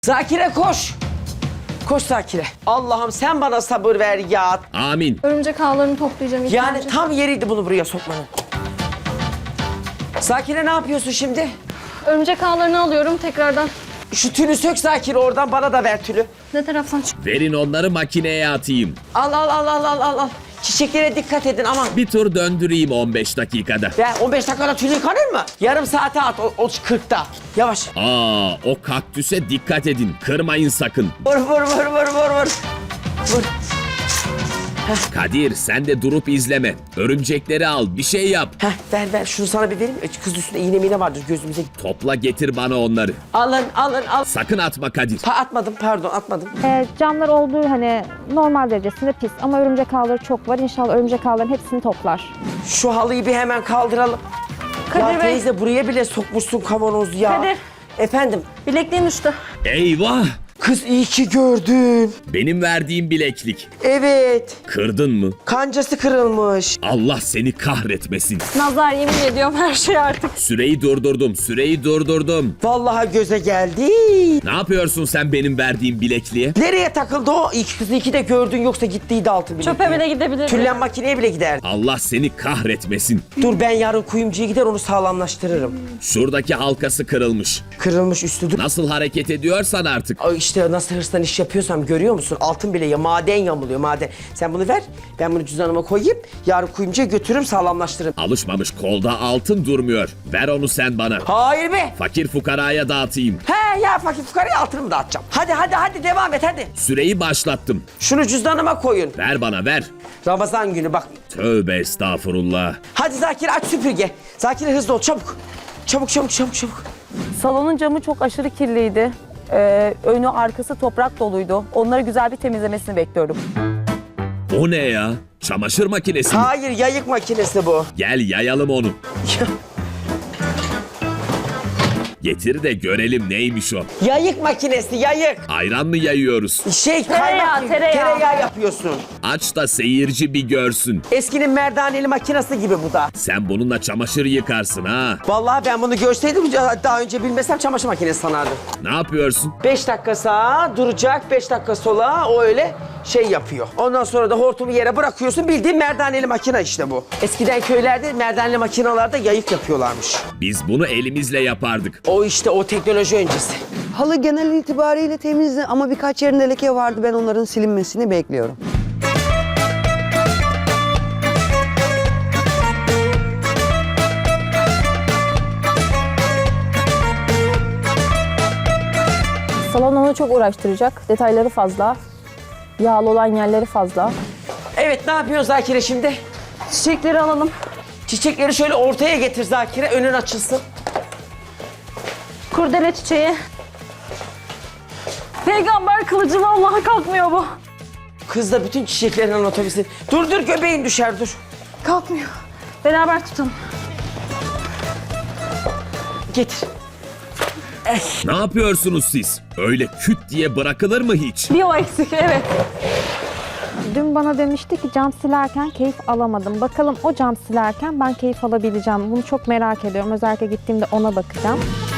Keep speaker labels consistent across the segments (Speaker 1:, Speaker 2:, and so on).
Speaker 1: Zakire koş. Koş Zakire. Allah'ım sen bana sabır ver ya.
Speaker 2: Amin.
Speaker 3: Örümcek ağlarını toplayacağım ilk
Speaker 1: Yani
Speaker 3: önce.
Speaker 1: tam yeriydi bunu buraya sokmanın. Zakire ne yapıyorsun şimdi?
Speaker 3: Örümcek ağlarını alıyorum tekrardan.
Speaker 1: Şu tülü sök Zakire oradan bana da ver tülü.
Speaker 3: Ne taraftan çık?
Speaker 2: Verin onları makineye atayım.
Speaker 1: Al. Çiçeklere dikkat edin aman.
Speaker 2: Bir tur döndüreyim 15 dakikada.
Speaker 1: Ya 15 dakikada tülü yıkanır mı? Yarım saate at o 40'ta. Yavaş.
Speaker 2: Aa, o kaktüse dikkat edin. Kırmayın sakın.
Speaker 1: Vur.
Speaker 2: Kadir sen de durup izleme. Örümcekleri al, bir şey yap.
Speaker 1: Heh, ver şunu sana bir vereyim. Kız üstünde iğne miğne vardır gözümüze.
Speaker 2: Topla getir bana onları.
Speaker 1: Alın.
Speaker 2: Sakın atma Kadir.
Speaker 1: Atmadım.
Speaker 4: Camlar olduğu hani normal derecesinde pis ama örümcek ağları çok var. İnşallah örümcek ağların hepsini toplar.
Speaker 1: Şu halıyı bir hemen kaldıralım.
Speaker 3: Kadir
Speaker 1: Ya
Speaker 3: Bey.
Speaker 1: teyze buraya bile sokmuşsun kavanoz ya.
Speaker 3: Kadir.
Speaker 1: Efendim.
Speaker 3: Bilekliğim düştü.
Speaker 2: Eyvah!
Speaker 1: Kız iyi ki gördün.
Speaker 2: Benim verdiğim bileklik.
Speaker 1: Evet.
Speaker 2: Kırdın mı?
Speaker 1: Kancası kırılmış.
Speaker 2: Allah seni kahretmesin.
Speaker 3: Nazar yemin ediyorum her şey artık.
Speaker 2: Süreyi durdurdum.
Speaker 1: Vallahi göze geldi.
Speaker 2: Ne yapıyorsun sen benim verdiğim bilekliğe?
Speaker 1: Nereye takıldı o? Kızı iki de gördün yoksa gittiydi altı bile.
Speaker 3: Çöpe bile gidebilir.
Speaker 1: Tüllen makineye bile giderdi.
Speaker 2: Allah seni kahretmesin.
Speaker 1: Dur ben yarın kuyumcuya gider onu sağlamlaştırırım.
Speaker 2: Şuradaki halkası kırılmış.
Speaker 1: Kırılmış üstü dur.
Speaker 2: Nasıl hareket ediyorsan artık.
Speaker 1: Ay İşte nasıl hırstan iş yapıyorsam görüyor musun? Altın bile ya maden yamuluyor maden. Sen bunu ver. Ben bunu cüzdanıma koyayım. Yarın kuyumcuya götürürüm sağlamlaştırırım.
Speaker 2: Alışmamış kolda altın durmuyor. Ver onu sen bana.
Speaker 1: Hayır be.
Speaker 2: Fakir fukaraya dağıtayım.
Speaker 1: He ya fakir fukaraya altınımı dağıtacağım. Hadi devam et hadi.
Speaker 2: Süreyi başlattım.
Speaker 1: Şunu cüzdanıma koyun.
Speaker 2: Ver bana ver.
Speaker 1: Ramazan günü bak.
Speaker 2: Tövbe estağfurullah.
Speaker 1: Hadi Zakir aç süpürge. Zakir hızlı ol çabuk. Çabuk.
Speaker 5: Salonun camı çok aşırı kirliydi. Önü arkası toprak doluydu. Onları güzel bir temizlemesini bekliyorum.
Speaker 2: O ne ya? Çamaşır makinesi mi?
Speaker 1: Hayır yayık makinesi bu.
Speaker 2: Gel yayalım onu. Getir de görelim neymiş o.
Speaker 1: Yayık makinesi yayık.
Speaker 2: Ayran mı yayıyoruz?
Speaker 1: Kaymak gibi, tereyağı yapıyorsun.
Speaker 2: Aç da seyirci bir görsün.
Speaker 1: Eskinin merdaneli makinesi gibi bu da.
Speaker 2: Sen bununla çamaşır yıkarsın ha.
Speaker 1: Vallahi ben bunu görseydim daha önce bilmesem çamaşır makinesi sanardım.
Speaker 2: Ne yapıyorsun?
Speaker 1: 5 dakika sağa duracak, 5 dakika sola o öyle şey yapıyor. Ondan sonra da hortumu yere bırakıyorsun bildiğin merdaneli makine işte bu. Eskiden köylerde merdaneli makinalarda yayık yapıyorlarmış.
Speaker 2: Biz bunu elimizle yapardık.
Speaker 1: O işte o teknoloji öncesi.
Speaker 6: Halı genel itibariyle temizdi ama birkaç yerinde leke vardı. Ben onların silinmesini bekliyorum.
Speaker 5: Salon onu çok uğraştıracak. Detayları fazla. Yağlı olan yerleri fazla.
Speaker 1: Evet ne yapıyoruz Zakire şimdi?
Speaker 3: Çiçekleri alalım.
Speaker 1: Çiçekleri şöyle ortaya getir Zakire önün açılsın.
Speaker 3: Kurdele çiçeği. Peygamber kılıcı vallahi kalkmıyor bu.
Speaker 1: Kız da bütün çiçeklerin anatomisi. Dur göbeğin düşer dur.
Speaker 3: Kalkmıyor. Beraber tutalım.
Speaker 1: Getir.
Speaker 2: Ne yapıyorsunuz siz? Öyle küt diye bırakılır mı hiç?
Speaker 3: Bir o eksik evet.
Speaker 4: Dün bana demişti ki cam silerken keyif alamadım. Bakalım o cam silerken ben keyif alabileceğim. Bunu çok merak ediyorum. Özellikle gittiğimde ona bakacağım.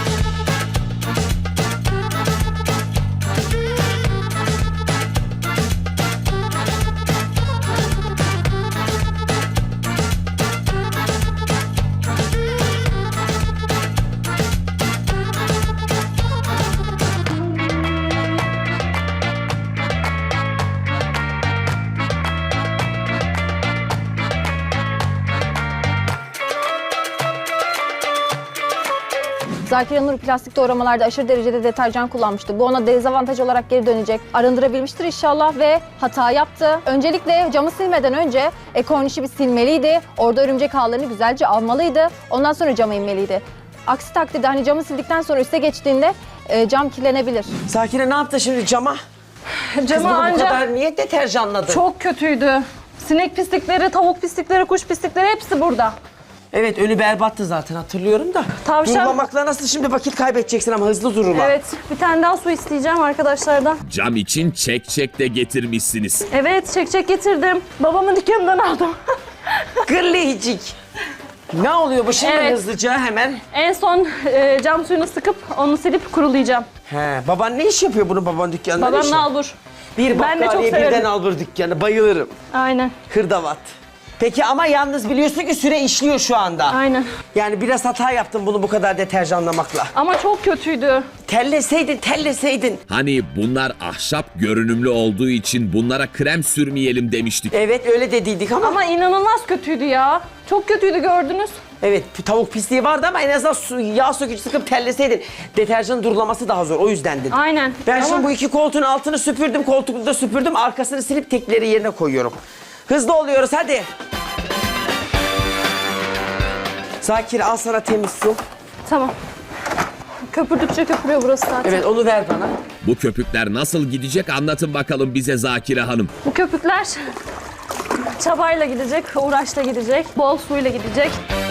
Speaker 3: Zakir Nur plastik doğramalarda aşırı derecede deterjan kullanmıştı. Bu ona dezavantaj olarak geri dönecek. Arındırabilmiştir inşallah ve hata yaptı. Öncelikle camı silmeden önce kornişi bir silmeliydi. Orada örümcek ağlarını güzelce almalıydı. Ondan sonra cama inmeliydi. Aksi takdirde hani camı sildikten sonra üste geçtiğinde cam kirlenebilir.
Speaker 1: Zakire ne yaptı şimdi cama? Kız
Speaker 3: Camı
Speaker 1: bunu bu
Speaker 3: ancak
Speaker 1: kadar niye deterjanladı?
Speaker 3: çok kötüydü. Sinek pislikleri, tavuk pislikleri, kuş pislikleri hepsi burada.
Speaker 1: Evet önü berbattı zaten hatırlıyorum da.
Speaker 3: Tavşan-
Speaker 1: Durmamakla nasıl şimdi vakit kaybedeceksin ama hızlı durma.
Speaker 3: Evet, bir tane daha su isteyeceğim arkadaşlardan.
Speaker 2: Cam için çek de getirmişsiniz.
Speaker 3: Evet, çek getirdim. Babamın dükkanından aldım.
Speaker 1: Gırlayıcık. Ne oluyor bu şimdi
Speaker 3: Evet.
Speaker 1: hızlıca hemen?
Speaker 3: En son cam suyunu sıkıp onu silip kurulayacağım.
Speaker 1: He, baban ne iş yapıyor bunun baban dükkanında?
Speaker 7: Babam
Speaker 1: ne iş?
Speaker 7: nalbur.
Speaker 1: Bir
Speaker 7: Ben de çok
Speaker 1: bakkaliye
Speaker 7: severim.
Speaker 1: birden albur dükkanı. Bayılırım.
Speaker 7: Aynen.
Speaker 1: Hırdavat. Peki ama yalnız biliyorsun ki süre işliyor şu anda.
Speaker 7: Aynen.
Speaker 1: Yani biraz hata yaptın bunu bu kadar deterjanlamakla.
Speaker 7: Ama çok kötüydü.
Speaker 1: Telleseydin.
Speaker 2: Hani bunlar ahşap görünümlü olduğu için bunlara krem sürmeyelim demiştik.
Speaker 1: Evet öyle dediydik ama.
Speaker 7: Ama inanılmaz kötüydü ya. Çok kötüydü gördünüz.
Speaker 1: Evet tavuk pisliği vardı ama en azından yağ sökücü sıkıp telleseydin. Deterjanın durulaması daha zor o yüzden dedim.
Speaker 7: Aynen.
Speaker 1: Ben
Speaker 7: Ama
Speaker 1: şimdi bu iki koltuğun altını süpürdüm, koltuğu da süpürdüm. Arkasını silip tekleri yerine koyuyorum. Hızlı oluyoruz hadi. Zakir al sana temiz su.
Speaker 7: Tamam. Köpürdükçe köpürüyor burası zaten.
Speaker 1: Evet onu ver bana.
Speaker 2: Bu köpükler nasıl gidecek anlatın bakalım bize Zakire Hanım.
Speaker 7: Bu köpükler çabayla gidecek, uğraşla gidecek, bol suyla gidecek.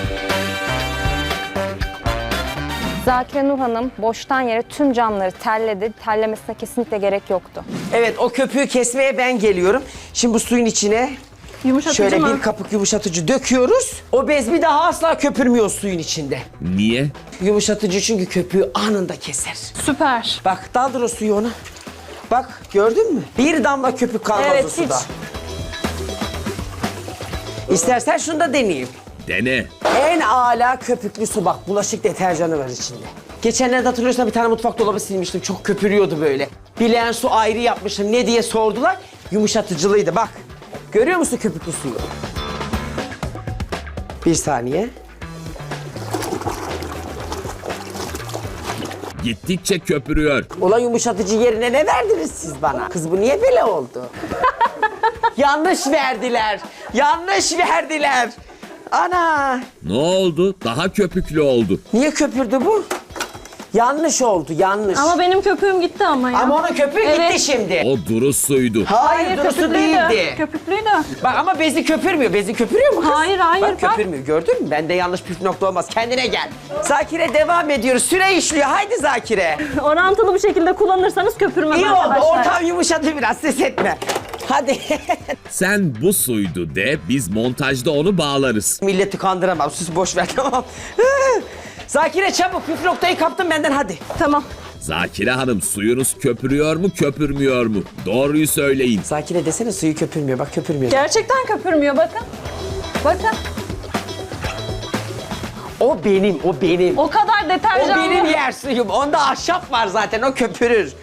Speaker 4: Zakire Nur Hanım boştan yere tüm camları telledi. Tellemesine kesinlikle gerek yoktu.
Speaker 1: Evet o köpüğü kesmeye ben geliyorum. Şimdi bu suyun içine
Speaker 7: Yumuşatıcı
Speaker 1: şöyle
Speaker 7: mı?
Speaker 1: bir kapık yumuşatıcı döküyoruz. O bez bir daha asla köpürmüyor suyun içinde.
Speaker 2: Niye?
Speaker 1: Yumuşatıcı çünkü köpüğü anında keser.
Speaker 7: Süper.
Speaker 1: Bak daldır o suyu ona. Bak gördün mü? Bir damla köpük kalmaz
Speaker 7: Evet,
Speaker 1: o suda.
Speaker 7: hiç.
Speaker 1: İstersen şunu da deneyeyim.
Speaker 2: Dene.
Speaker 1: En âlâ köpüklü su bak. Bulaşık deterjanı var içinde. Geçenlerde hatırlıyorsan bir tane mutfak dolabı silmiştim. Çok köpürüyordu böyle. Bileğen su ayrı yapmışım. Ne diye sordular. Yumuşatıcılıydı bak. Görüyor musun köpüklü suyu? Bir saniye.
Speaker 2: Gittikçe köpürüyor.
Speaker 1: Ulan yumuşatıcı yerine ne verdiniz siz bana? Kız bu niye böyle oldu? Yanlış verdiler. Yanlış verdiler. Ana.
Speaker 2: Ne oldu? Daha köpüklü oldu.
Speaker 1: Niye köpürdü bu? Yanlış oldu, yanlış.
Speaker 7: Ama benim köpüğüm gitti ama ya.
Speaker 1: Ama onun köpüğü
Speaker 7: Evet.
Speaker 1: gitti şimdi.
Speaker 2: O duru suydu.
Speaker 1: Hayır, durusu
Speaker 7: köpüklüydü.
Speaker 1: değildi.
Speaker 7: Köpüklüydü.
Speaker 1: Bak ama bezi köpürmüyor. Bezi köpürüyor mu kız?
Speaker 7: Hayır, hayır,
Speaker 1: Bak
Speaker 7: bak.
Speaker 1: köpürmüyor. Gördün mü? Bende yanlış püf nokta olmaz. Kendine gel. Zakire devam ediyoruz. Süre işliyor. Haydi Zakire.
Speaker 7: Orantılı bir şekilde kullanırsanız köpürmez
Speaker 1: İyi oldu.
Speaker 7: arkadaşlar.
Speaker 1: Ortam yumuşadı biraz. Ses etme. Hadi.
Speaker 2: Sen bu suydu de biz montajda onu bağlarız.
Speaker 1: Milleti kandıramam. Sus boş ver tamam. Zakire çabuk. Püf noktayı kaptın benden hadi.
Speaker 7: Tamam.
Speaker 2: Zakire Hanım suyunuz köpürüyor mu köpürmüyor mu? Doğruyu söyleyin.
Speaker 1: Zakire desene suyu köpürmüyor. Bak köpürmüyor.
Speaker 7: Gerçekten köpürmüyor bakın. Bakın.
Speaker 1: O benim, o benim.
Speaker 7: O kadar
Speaker 1: O
Speaker 7: deterjanlı.
Speaker 1: benim yer suyum. Onda ahşap var zaten. O köpürür.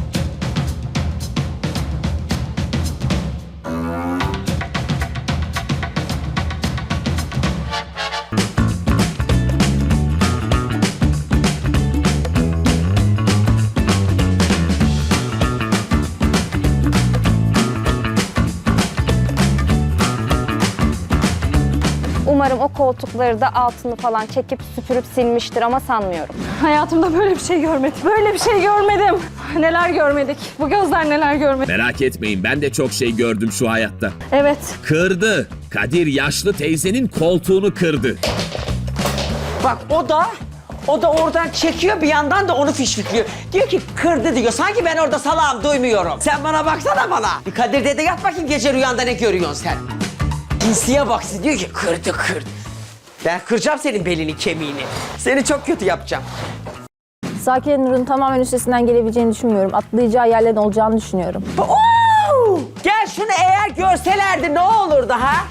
Speaker 4: Umarım o koltukları da altını falan çekip süpürüp silmiştir ama sanmıyorum.
Speaker 7: Hayatımda böyle bir şey görmedim. Böyle bir şey görmedim. Neler görmedik. Bu gözler neler görmedi.
Speaker 2: Merak etmeyin ben de çok şey gördüm şu hayatta.
Speaker 7: Evet.
Speaker 2: Kırdı. Kadir yaşlı teyzenin koltuğunu kırdı.
Speaker 1: Bak o da oradan çekiyor bir yandan da onu fişfikliyor. Diyor ki kırdı diyor. Sanki ben orada salağım duymuyorum. Sen bana baksana bana. Bir Kadir dede yat bakayım gece rüyanda ne görüyorsun sen? Cinsiye bak siz diyor ki kırdı. Ben kıracağım senin belini kemiğini. Seni çok kötü yapacağım.
Speaker 3: Zakire Nur'un tamamen üstesinden gelebileceğini düşünmüyorum. Atlayacağı yerlerin olacağını düşünüyorum.
Speaker 1: Oo! Gel şunu eğer görselerdi ne olurdu ha?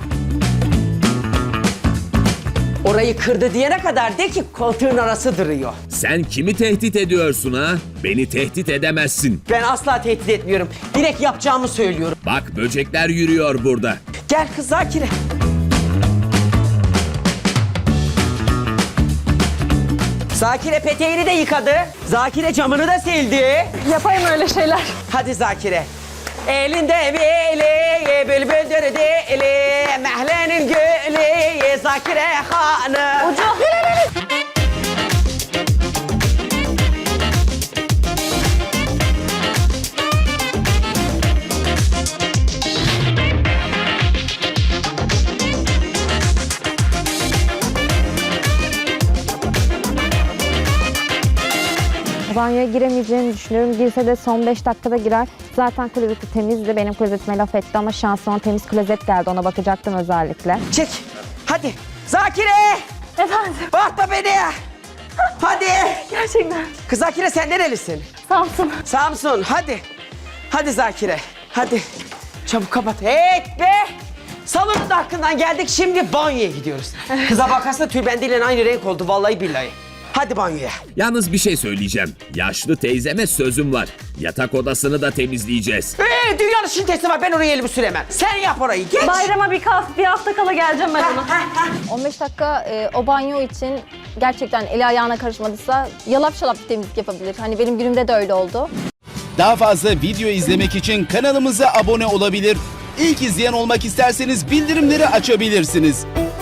Speaker 1: Orayı kırdı diyene kadar de ki koltuğun arası duruyor.
Speaker 2: Sen kimi tehdit ediyorsun ha? Beni tehdit edemezsin.
Speaker 1: Ben asla tehdit etmiyorum. Direkt yapacağımı söylüyorum.
Speaker 2: Bak böcekler yürüyor burada.
Speaker 1: Gel kız Zakire. Zakire peteğini de yıkadı. Zakire camını da sildi.
Speaker 7: Yapayım öyle şeyler.
Speaker 1: Hadi Zakire. Elinde beli, bülbüldür dili, mehlenin gülü, Zakire hanım.
Speaker 7: Ucu.
Speaker 4: Banyoya giremeyeceğini düşünüyorum. Girse de son 5 dakikada girer. Zaten klozeti temizdi. Benim klozetime laf etti ama şansıma temiz klozet geldi. Ona bakacaktım özellikle.
Speaker 1: Çek. Hadi. Zakire.
Speaker 7: Efendim.
Speaker 1: Bakma beni. Hadi.
Speaker 7: Gerçekten.
Speaker 1: Kız Zakire sen nerelisin?
Speaker 7: Samsun.
Speaker 1: Samsun hadi. Hadi Zakire. Hadi. Çabuk kapat. Hey be. Salonun da hakkından geldik. Şimdi banyoya gidiyoruz. Kıza bakarsa tülbendiyle aynı renk oldu vallahi billahi. Hadi banyoya.
Speaker 2: Yalnız bir şey söyleyeceğim. Yaşlı teyzeme sözüm var. Yatak odasını da temizleyeceğiz.
Speaker 1: Dünyanın şintesi var. Ben oraya elimi süremem. Sen yap orayı. Geç.
Speaker 7: Bayrama bir hafta kala geleceğim ben ona.
Speaker 3: 15 dakika o banyo için gerçekten eli ayağına karışmadıysa yalap şalap bir temizlik yapabilir. Hani benim günümde de öyle oldu.
Speaker 8: Daha fazla video izlemek için kanalımıza abone olabilir. İlk izleyen olmak isterseniz bildirimleri açabilirsiniz.